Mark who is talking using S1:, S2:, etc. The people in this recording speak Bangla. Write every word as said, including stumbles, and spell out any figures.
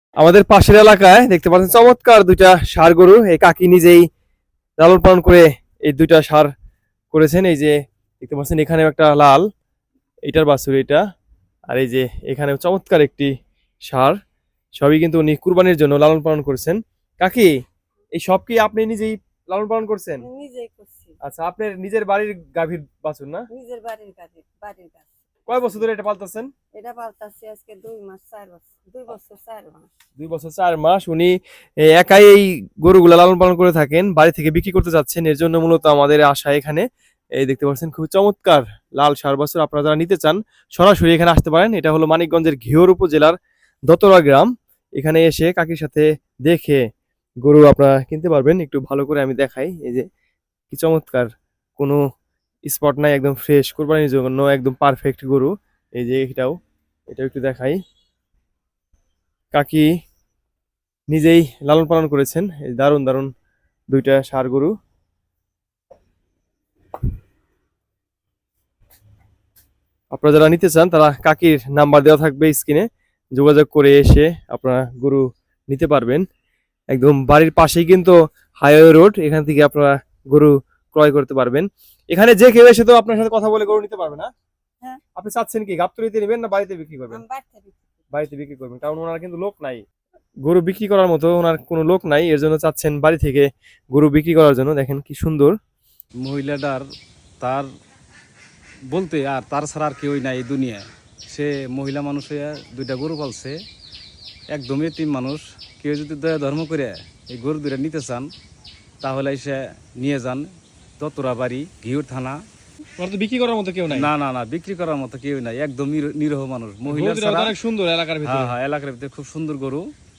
S1: আমাদের পাশের এলাকায় দেখতে পাচ্ছেন চমৎকার দুইটা ষাঁড় গরু, এই কাকি নিজেই লালন পালন করে এই দুইটা ষাঁড় করেছেন। এই যে দেখতে পাচ্ছেন এখানে একটা লাল, এটার বাছুর এটা, আর এই যে এখানে চমৎকার একটি ষাঁড়, সবই কিন্তু উনি কুরবানির জন্য লালন পালন করেছেন। কাকি, এই সব কি আপনি নিজেই লালন পালন করছেন?
S2: নিজেই করছি।
S1: আচ্ছা, আপনার নিজের বাড়ির গাভীর বাছুর না?
S2: নিজের বাড়ির কাছে, বাড়ির কাছে।
S1: কয় বছর ধরে এটা পালতেছেন?
S2: এটা পালতাছি আজকে দুই মাস চার বছর দুই বছর চার মাস।
S1: দুই বছর চার মাস উনি এ, একাই এই গরুগুলা লালন পালন করে থাকেন, বাড়ি থেকে বিক্রি করতে যাচ্ছেন, এর জন্য মূলত আমাদের আশা এখানে। এই দেখতে পাচ্ছেন খুব চমৎকার লাল ষাঁড় বাছুর, আপনারা যারা নিতে চান সরাসরি এখানে আসতে পারেন। এটা হলো মানিকগঞ্জের ঘিওর উপজেলার দতরা গ্রাম। এখানে এসে কাকির সাথে দেখে গরু আপনারা কিনতে পারবেন। একটু ভালো করে আমি দেখাই, এই যে কি চমৎকার, কোনো স্পট নাই, একদম ফ্রেশ, কোরবানির জন্য একদম পারফেক্ট গরু। এই যে এটাও, এটাও একটু দেখাই। কাকি নিজেই লালন পালন করেছেন এই দারুণ দারুণ দুইটা ষাঁড় গরু। আপনারা যারা নিতে চান তারা কাকির নাম্বার দেওয়া থাকবে স্ক্রিনে, যোগাযোগ করে এসে আপনারা গরু নিতে পারবেন। একদম বাড়ির পাশেই কিন্তু হাইওয়ে রোড, এখান থেকে আপনারা গরু ক্রয় করতে পারবেন। এখানে যে কেউ এসে তো আপনার সাথে কথা বলে গরু নিতে পারবে না?
S2: হ্যাঁ।
S1: আপনি চাচ্ছেন কি গাবতলিতে নেবেন না বাড়িতে বিক্রি করবেন?
S2: আমি বাড়িতে বিক্রি করি।
S1: বাড়িতে বিক্রি করবেন, কারণ ওনার কিন্তু লোক নাই গরু বিক্রি করার মতো, ওনার কোনো লোক নাই, এর জন্য চাচ্ছেন বাড়ি থেকে গরু বিক্রি করার জন্য। দেখেন কি সুন্দর
S3: মহিলাটার, তার বলতে আর তার ছাড়া আর কেউই নাই এই দুনিয়ায়। সে মহিলা মানুষ হইয়া দুইটা গরু পালছে, একদমই এতিম মানুষ। কেউ যদি দয়া ধর্ম করে এই গরু দুইটা নিতে চান তাহলে সে নিয়ে যান, দতরা বাড়ি, ঘিউর থানা।
S1: ওনার তো বিক্রি করার মতো কেউ নাই।
S3: না না না, বিক্রি করার মতো কেউ নাই, একদম নির- নিরহ মানুষ, মহিলা
S1: গরু দুটো
S3: ছাড়া।
S1: অনেক সুন্দর এলাকার ভিতরে।
S3: হ্যাঁ হ্যাঁ, এলাকার ভিতরে খুব সুন্দর গরু।